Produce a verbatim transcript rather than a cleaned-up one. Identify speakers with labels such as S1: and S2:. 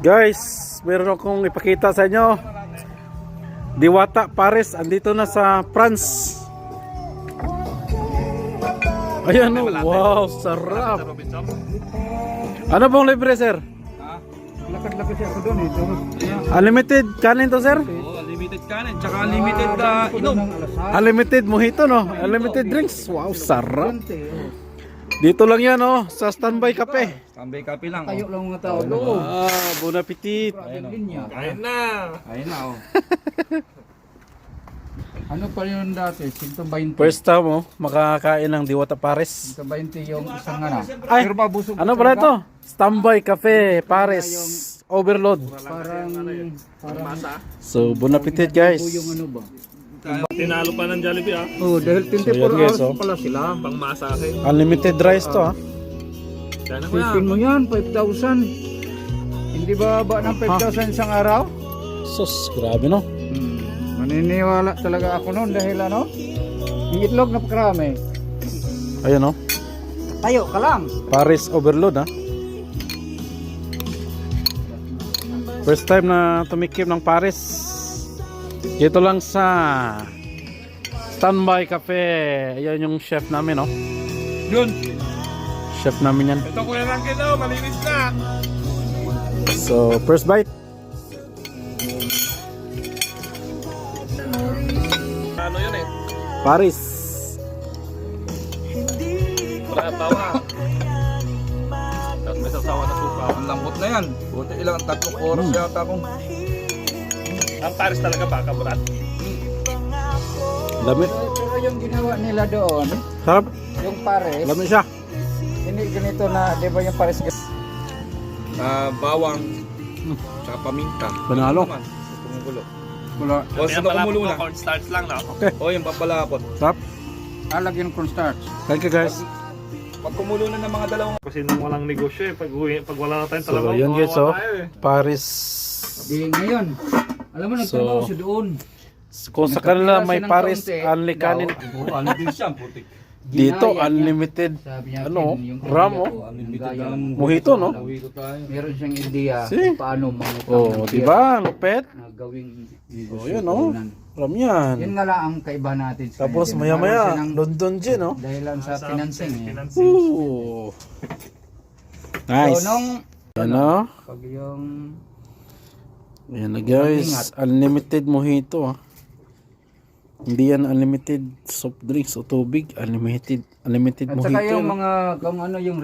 S1: Guys, meron akong ipakita sa inyo. Diwata Pares, andito na sa France. Ayan o, wow, sarap. Ano pong libre, sir?
S2: Lakad-lakad siya ako doon eh.
S1: Unlimited kanin to, sir?
S3: Oh, unlimited kanin, tsaka unlimited uh, inom.
S1: Unlimited mojito, no? Unlimited drinks. Wow, sarap. Dito lang yan, oh, sa Standby Cafe.
S3: Tambay kape lang.
S2: Tayo
S3: Oh.
S2: lang mga tao doon.
S1: Ah, bon appetit.
S3: Kain na. Kain na oh.
S2: Ano pa yun dati? one twenty.
S1: First time, oh, makakain ng Diwata Pares.
S2: one twenty yung isang ano.
S1: Ay,
S2: Pero mabusog
S1: ano
S2: ka
S1: pala
S2: talaga.
S1: ito? Standby Cafe Pares. Overload.
S2: Parang, parang
S1: So, bon appetit, guys.
S2: yung ano ba?
S4: Tinalo pa ng Jollibee ah.
S2: Oh, dahil twenty-four
S1: So, yan, guys,
S2: hours
S1: oh.
S2: pala sila.
S4: Pang masahe.
S1: Unlimited rice to, ha?
S4: Sana ko
S2: Sipin mo yan, five thousand. Hindi ba ba ng five thousand isang araw?
S1: Sus, grabe, no?
S2: Hmm. Maniniwala talaga ako noon dahil ano? Yung itlog napakarami.
S1: Ayun, no?
S2: Tayo ka lang.
S1: Pares Overload, ha? First time na tumikim ng Pares. Dito lang sa Standby Cafe. Ayan yung chef namin, no?
S4: Yun.
S1: Chef namin yan.
S4: Ito kuya lang daw, malinis na.
S1: So, first bite.
S4: Ano yun eh?
S1: Paris.
S4: Wala tawa. Tapos may sasawa na suka.
S3: Ang lambot na yan. Buti ilang tatlong oras
S1: Hmm.
S3: yata akong.
S4: Ang Paris talaga baka burat.
S1: Lamit.
S2: Pero yung ginawa nila doon,
S1: Sarap.
S2: yung pares,
S1: Lamit siya.
S2: hindi ganito na, di ba yung pares
S3: Uh, bawang. Tsaka paminta.
S1: Panalo.
S3: Naman, Tumugulo.
S2: Wala.
S3: O sa kumulo na.
S4: Cornstarch lang na.
S3: O yung papalapot.
S1: Sarap.
S2: Alagyan ng cornstarch.
S1: Thank you, guys.
S3: Pag kumulo na ng mga dalawang.
S4: Kasi nung walang negosyo eh. Pag, uwi- pag wala na tayong
S1: So,
S4: talaga.
S1: yun, guys, oh. Paris.
S2: Di ngayon, alam mo, nagtrabaho
S1: So,
S2: siya doon.
S1: Kung sa kanila may
S2: Nagkatira siya ng
S1: Paris,
S2: kaunti,
S1: only kanin.
S3: Oh, ano din siya, putik.
S1: Dito,
S2: Ginaya niya.
S1: unlimited.
S2: Sabi niya,
S1: Ano,
S2: "Ken, yung
S1: ram,
S2: pamilya
S1: oh.
S2: ko,
S3: Unlimited
S2: gaya
S3: ang
S2: ng-
S1: Mojito, no?
S3: Uwi ko tayo.
S2: Meron siyang ideya
S1: See?
S2: kung paano mangutang
S1: Oh,
S2: ng
S1: di
S2: beer
S1: ba? Lupet.
S2: na gawing
S1: Oh,
S2: negosyo
S1: yun, oh.
S2: talunan.
S1: Alam yan.
S2: Yun nga lang ang kaiba natin sa
S1: Tapos
S2: kanya.
S1: maya-maya,
S2: Nagkaroon siya ng
S1: London Gin, no?
S2: dahilan sa financing eh.
S4: Financing.
S1: Ooh. Nice.
S2: So nung
S1: Ano?
S2: pag yung
S1: Ayan na, guys. Unlimited mojito, ah. Hindi yan unlimited soft drinks o tubig. Unlimited, unlimited
S2: at saka
S1: mojito.
S2: yung
S1: no?
S2: mga kung ano yung